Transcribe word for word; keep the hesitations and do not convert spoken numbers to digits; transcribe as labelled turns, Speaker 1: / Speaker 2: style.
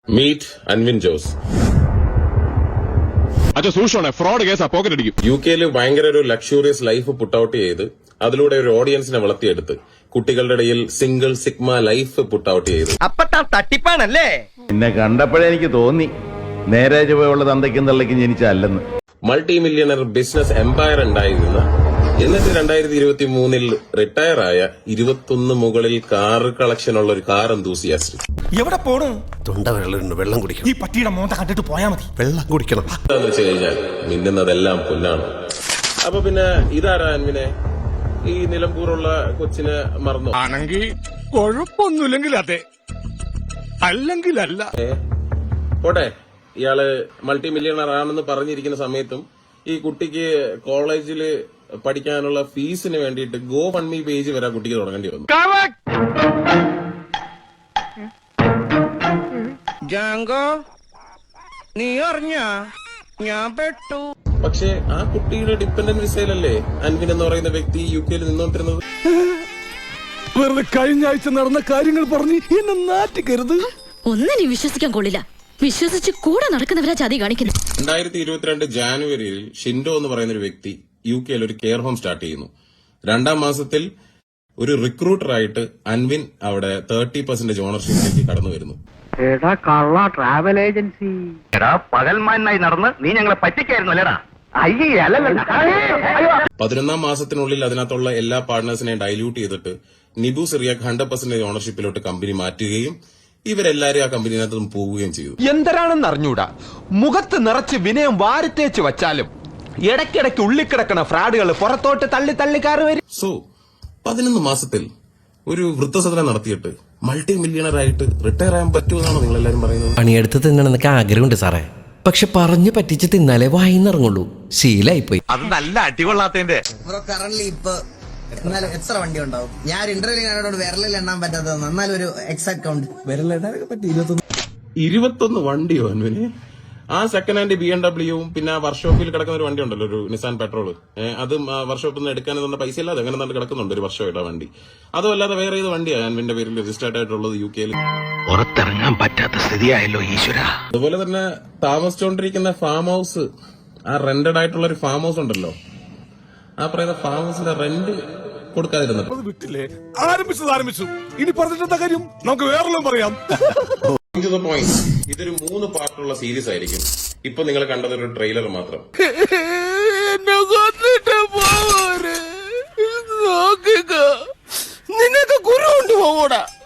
Speaker 1: Meet Anvin Jose.
Speaker 2: Fraud കേസാ, pocket അടിക്കും.
Speaker 1: യു കെയിൽ ഭയങ്കര ഒരു ലക്ഷൂറിയസ് ലൈഫ് പുട്ട് ഔട്ട് ചെയ്ത് അതിലൂടെ ഒരു ഓഡിയൻസിനെ വളർത്തിയെടുത്ത് കുട്ടികളുടെ ഇടയിൽ single sigma life put out ചെയ്ത്
Speaker 3: അപ്പത്താ തട്ടിപ്പാണല്ലേ.
Speaker 4: എന്നെ കണ്ടപ്പോഴേ എനിക്ക് തോന്നി നേരെ ചുവയുള്ള തന്തയ്ക്കും തള്ളയ്ക്കും ജനിച്ചല്ലെന്ന്.
Speaker 1: മൾട്ടി മില്യണർ ബിസിനസ് എംപയർ ഉണ്ടായിരുന്ന, എന്നിട്ട് രണ്ടായിരത്തി ഇരുപത്തി മൂന്നിൽ റിട്ടയർ ആയ ഇരുപത്തൊന്ന് മുകളിൽ കാർ കളക്ഷൻ ഉള്ള ഒരു കാർ എന്തൂസിയാസ്റ്റ്.
Speaker 5: എവിടെ പോണു?
Speaker 6: തൊണ്ട വെള്ളം വെള്ളം കുടിക്കണം.
Speaker 5: ഈ പട്ടിയുടെ മോന്ത കണ്ടിട്ട് പോയാ മതി.
Speaker 6: വെള്ളം കുടിക്കണം
Speaker 1: എന്താന്ന് വെച്ച് കഴിഞ്ഞാൽ മിന്നുന്നതെല്ലാം പൊന്നാണ്. അപ്പൊ പിന്നെ ഇതാരാ അൻവിനെ ഈ നിലമ്പൂറുള്ള കൊച്ചിനെ മറന്നു
Speaker 2: ആണെങ്കിൽ കുഴപ്പമൊന്നുമില്ലെങ്കിൽ അതെ, അല്ലെങ്കിൽ അല്ല.
Speaker 1: പോട്ടെ, ഇയാള് മൾട്ടി മില്യണർ ആണെന്ന് പറഞ്ഞിരിക്കുന്ന സമയത്തും ഈ കുട്ടിക്ക് കോളേജില് പഠിക്കാനുള്ള ഫീസിന് വേണ്ടിയിട്ട് ഗോ ഫണ്ട് മീ പേജ് വരെ കുട്ടിക്ക് തുടങ്ങേണ്ടി വന്നു.
Speaker 3: ജാങ്കോ, നീ അറിഞ്ഞ ഞാൻ പെട്ടു.
Speaker 1: പക്ഷേ ആ കുട്ടിയുടെ ഡിപ്പെൻഡന്റ് വിസയിലല്ലേ അൻവിൻ എന്ന് പറയുന്ന വ്യക്തി യു കെയിൽ നിന്നോണ്ടിരുന്നത്.
Speaker 5: വെറുതെ കഴിഞ്ഞ ആഴ്ച നടന്ന കാര്യങ്ങൾ പറഞ്ഞ് എന്നെ നാറ്റിക്കരുത്.
Speaker 7: ഒന്നിനും വിശ്വസിക്കാൻ കൊള്ളില്ല. വിശ്വസിച്ച് കൂടെ നടക്കുന്നവരാ ചതി കാണിക്കുന്നു.
Speaker 1: രണ്ടായിരത്തി ഇരുപത്തിരണ്ട് ജാനുവരിയിൽ ഷിൻഡോ എന്ന് പറയുന്ന ഒരു വ്യക്തി യു കെയിൽ ഒരു കെയർ ഹോം സ്റ്റാർട്ട് ചെയ്യുന്നു. രണ്ടാം മാസത്തിൽ ഒരു റിക്രൂട്ടറായിട്ട് അൻവിൻ അവിടെ തേർട്ടി പെർസെന്റേജ് ഓണർഷിപ്പിലേക്ക് കടന്നു വരുന്നു.
Speaker 3: എടാ കള്ള ട്രാവൽ ഏജൻസി, എടാ പകൽമാനായി നടന്ന് നീ ഞങ്ങളെ പറ്റിക്കായിരുന്നു അല്ലേടാ.
Speaker 1: പതിനൊന്നാം മാസത്തിനുള്ളിൽ അതിനകത്തുള്ള എല്ലാ പാർട്ട്നേഴ്സിനെയും ഡൈല്യൂട്ട് ചെയ്തിട്ട് നിബു സിറിയാക്ക് ഹൺഡ്രഡ് പെർസെന്റേജ് ഓണർഷിപ്പിലോട്ട് കമ്പനി മാറ്റുകയും ഇവരെല്ലാരും ആ കമ്പനിനകത്ത് പോവുകയും ചെയ്തു.
Speaker 8: എന്തരാണെന്ന് അറിഞ്ഞൂടാ, മുഖത്ത് നിറച്ച് വിനയം വാരിത്തേച്ച് വച്ചാലും ഇടയ്ക്കിടയ്ക്ക് ഉള്ളിക്കിടക്കണ ഫ്രാഡുകൾ പുറത്തോട്ട് തള്ളി തള്ളിക്കാറ് വരും.
Speaker 1: സോ പതിനൊന്ന് മാസത്തിൽ ഒരു വൃദ്ധസദനം നടത്തിയിട്ട് മൾട്ടി മില്യണർ ആയിട്ട് റിട്ടയർ ആകാൻ പറ്റുമെന്നാണോ നിങ്ങൾ എല്ലാരും പറയുന്നത്?
Speaker 9: പണിയെടുത്ത് തിന്നണമെന്നൊക്കെ ആഗ്രഹമുണ്ട് സാറേ, പക്ഷെ പറഞ്ഞു പറ്റിച്ച് തിന്നാലേ വായിന്നിറങ്ങുള്ളൂ. ശീലായി പോയി.
Speaker 8: അത് നല്ല അടികൊള്ളാത്തതിന്റെ.
Speaker 10: കറന്റ് ഇപ്പൊ എന്നാലും എത്ര വണ്ടി ഉണ്ടാവും? ഞാൻ ഇന്റർവ്യൂ കാണോട് വിരലിൽ എണ്ണാൻ പറ്റാത്തത് എന്നാലും ഒരു എക്സാക്ട് കൗണ്ട് വിരലിടാനൊക്കെ പറ്റി ഇരുപത്തൊന്ന്
Speaker 1: ഇരുപത്തൊന്ന് വണ്ടിയോ അൻവിന്? ആ സെക്കൻഡ് ഹാൻഡ് ബി എം ഡബ്ല്യൂവും പിന്നെ ആ വർക്ക്ഷോപ്പിൽ കിടക്കുന്ന ഒരു വണ്ടി ഉണ്ടല്ലോ, ഒരു നിസാൻ പെട്രോൾ, അതും വർക്ക്ഷോപ്പിൽ നിന്ന് എടുക്കാൻ തന്ന പൈസ ഇല്ലാതെ അങ്ങനെ തന്നെ കിടക്കുന്നുണ്ട് ഒരു വർഷമായിട്ട് ആ വണ്ടി. അതും അല്ലാതെ വേറെ ഏത് വണ്ടിയാണ് അൻവിന്റെ പേരിൽ രജിസ്റ്റേർഡ് ആയിട്ടുള്ളത് യു കെയിൽ?
Speaker 6: പുറത്തിറങ്ങാൻ പറ്റാത്ത സ്ഥിതിയായല്ലോ ഈശ്വര.
Speaker 1: അതുപോലെ തന്നെ താമസിച്ചുകൊണ്ടിരിക്കുന്ന ഫാം ഹൗസ്, ആ റെന്റഡ് ആയിട്ടുള്ള ഒരു ഫാം ഹൗസ് ഉണ്ടല്ലോ, ആ പറയുന്ന ഫാം ഹൗസിന്റെ റെന്റ് കൊടുക്കാതിരുന്നത്
Speaker 5: വിട്ടില്ലേ? ആരംഭിച്ചത് ആരംഭിച്ചു, ഇനി പറഞ്ഞിട്ടെന്താ കാര്യം? നമുക്ക് വേറെല്ലാം പറയാം.
Speaker 1: പോയിന്റ്, ഇതൊരു മൂന്ന് പാർട്ടുള്ള സീരീസ് ആയിരിക്കും. ഇപ്പൊ നിങ്ങൾ കണ്ടത് ഒരു ട്രെയിലർ മാത്രം.
Speaker 5: നിങ്ങൾക്ക് ഗുരു കൊണ്ട് പോകൂടാ.